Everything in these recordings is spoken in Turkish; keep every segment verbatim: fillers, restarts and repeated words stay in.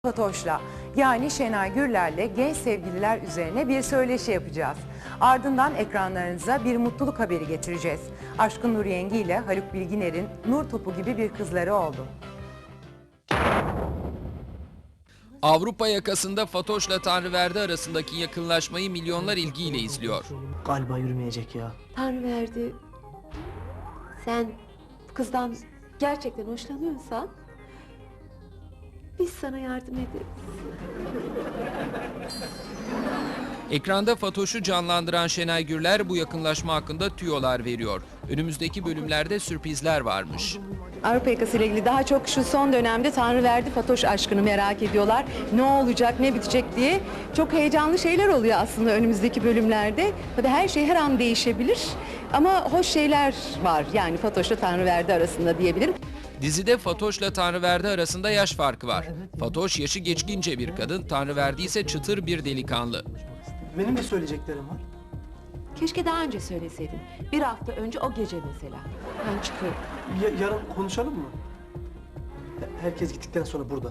Fatoş'la yani Şenay Gürler'le genç sevgililer üzerine bir söyleşi yapacağız. Ardından ekranlarınıza bir mutluluk haberi getireceğiz. Aşkın Nur Yengi ile Haluk Bilginer'in nur topu gibi bir kızları oldu. Avrupa yakasında Fatoş'la Tanrıverdi arasındaki yakınlaşmayı milyonlar ilgiyle izliyor. Galiba yürümeyecek ya. Tanrıverdi, sen bu kızdan gerçekten hoşlanıyorsan biz sana yardım ederiz. Ekranda Fatoş'u canlandıran Şenay Gürler bu yakınlaşma hakkında tüyolar veriyor. Önümüzdeki bölümlerde sürprizler varmış. Avrupa yakası ile ilgili daha çok şu son dönemde Tanrıverdi Fatoş aşkını merak ediyorlar. Ne olacak, ne bitecek diye. Çok heyecanlı şeyler oluyor aslında önümüzdeki bölümlerde. Tabii her şey her an değişebilir. Ama hoş şeyler var yani Fatoş'la Tanrıverdi arasında diyebilirim. Dizide Fatoş'la Tanrıverdi arasında yaş farkı var. Fatoş yaşı geçkince bir kadın, Tanrıverdi ise çıtır bir delikanlı. Benim de söyleyeceklerim var. Keşke daha önce söyleseydin. Bir hafta önce o gece mesela. Ben çıkıyorum. Ya- yarın konuşalım mı? Herkes gittikten sonra burada.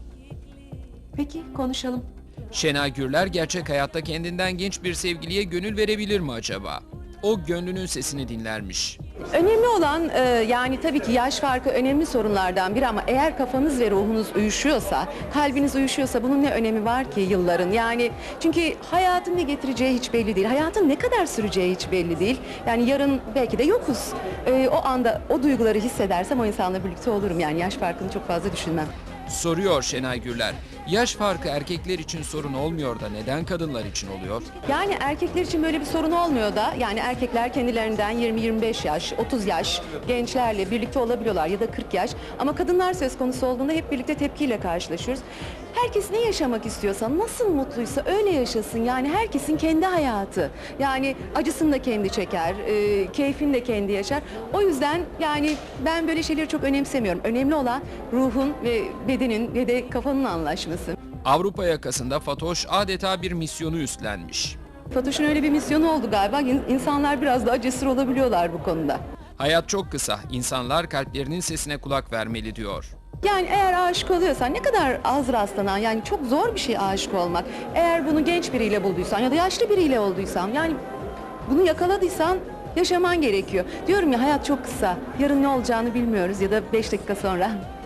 Peki konuşalım. Şenay Gürler gerçek hayatta kendinden genç bir sevgiliye gönül verebilir mi acaba? O gönlünün sesini dinlermiş. Önemli olan e, yani tabii ki yaş farkı önemli sorunlardan biri ama eğer kafanız ve ruhunuz uyuşuyorsa, kalbiniz uyuşuyorsa bunun ne önemi var ki yılların? Yani çünkü hayatın ne getireceği hiç belli değil. Hayatın ne kadar süreceği hiç belli değil. Yani yarın belki de yokuz. E, o anda o duyguları hissedersem o insanla birlikte olurum. Yani yaş farkını çok fazla düşünmem. Soruyor Şenay Gürler. Yaş farkı erkekler için sorun olmuyor da neden kadınlar için oluyor? Yani erkekler için böyle bir sorun olmuyor da yani erkekler kendilerinden yirmi yirmi beş yaş, otuz yaş gençlerle birlikte olabiliyorlar ya da kırk yaş. Ama kadınlar söz konusu olduğunda hep birlikte tepkiyle karşılaşıyoruz. Herkes ne yaşamak istiyorsa, nasıl mutluysa öyle yaşasın. Yani herkesin kendi hayatı. Yani acısını da kendi çeker, e, keyfini de kendi yaşar. O yüzden yani ben böyle şeyleri çok önemsemiyorum. Önemli olan ruhun ve bedenin ve de kafanın anlaşması. Avrupa yakasında Fatoş adeta bir misyonu üstlenmiş. Fatoş'un öyle bir misyonu oldu galiba. İn- İnsanlar biraz daha cesur olabiliyorlar bu konuda. Hayat çok kısa. İnsanlar kalplerinin sesine kulak vermeli diyor. Yani eğer aşık oluyorsan ne kadar az rastlanan yani çok zor bir şey aşık olmak. Eğer bunu genç biriyle bulduysan ya da yaşlı biriyle olduysan yani bunu yakaladıysan yaşaman gerekiyor. Diyorum ya hayat çok kısa. Yarın ne olacağını bilmiyoruz ya da beş dakika sonra.